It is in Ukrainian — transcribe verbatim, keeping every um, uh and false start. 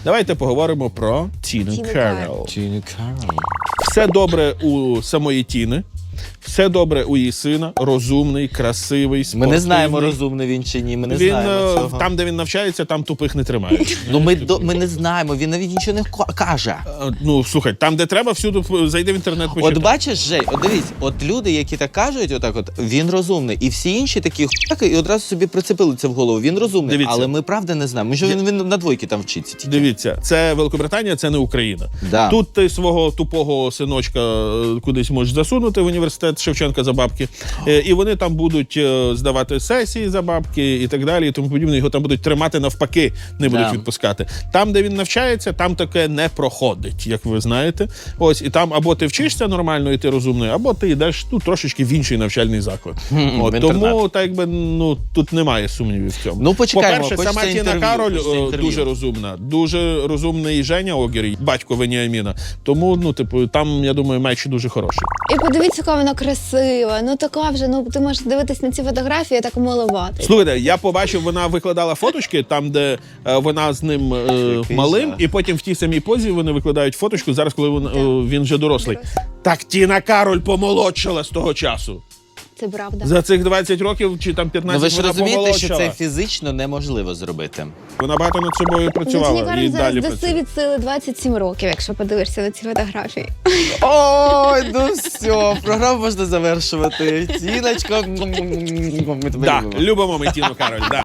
Давайте поговоримо про Тіну Тіну Кароль. Тіна Кароль. Все добре у самої Тіни, все добре у її сина, розумний, красивий, Ми спортивний. не знаємо, розумний він чи ні, ми не Він, знаємо е, цього. там, де він навчається, там тупих не тримають. Ну ми, до, ми не знаємо, він навіть нічого не ка- каже. Е, Ну, слухай, там, де треба, всюди п- зайди в інтернет, почитай. От бачиш, Жень, от дивись, от люди, які так кажуть, отак от, він розумний. І всі інші такі хуяки, і одразу собі прицепили це в голову. Він розумний, Дивіться. але ми правда не знаємо. Може, він, він на двойки там вчиться тільки. Дивіться, це Великобританія, це не Україна. Да. Тут ти свого тупого синочка е, кудись можеш засунути в університет Шевченка за бабки, е, і вони там будуть е, здавати сесії за бабки і так далі, і тому подібне. Його там будуть тримати навпаки, не будуть Да. відпускати. Там, де він навчається, там таке не проходить, як ви знаєте. Ось, і там або ти вчишся нормально, і ти розумний, або ти йдеш ну, трошечки в інший навчальний заклад. От, в тому, інтернат. так якби, ну, тут немає сумнівів в цьому. Ну, почекаємо, По-перше, хочеться сама Тіна інтерв'ю, Кароль хочеться е, інтерв'ю. дуже розумна. Дуже розумний Женя Огір, батько Веніаміна. Тому, ну, типу, там, я думаю, меч дуже хороший. І подивіться, яка вона красива. Ну така вже, ну ти можеш дивитись на ці фотографії, так милувати. Слухайте, я побачив, вона викладала фоточки там, де е, вона з ним е, Який малим, жах. і потім в тій самій позі вони викладають фоточку, зараз, коли він, е, він вже дорослий. Дорослий. Так Тіна Кароль помолодшала з того часу. Це правда. За цих двадцять років чи там Ну п'ятнадцять ви ж вона розумієте, що помолодшала. це фізично неможливо зробити. Вона багато над собою Ну, працювала Тіні Кароль і зараз далі даси працює. від сили двадцять сім років, якщо подивишся на ці фотографії. Ой, ну все, програму можна завершувати. Тіночко. Ми тебе Да, любимо. любимо ми Тіну Кароль, да.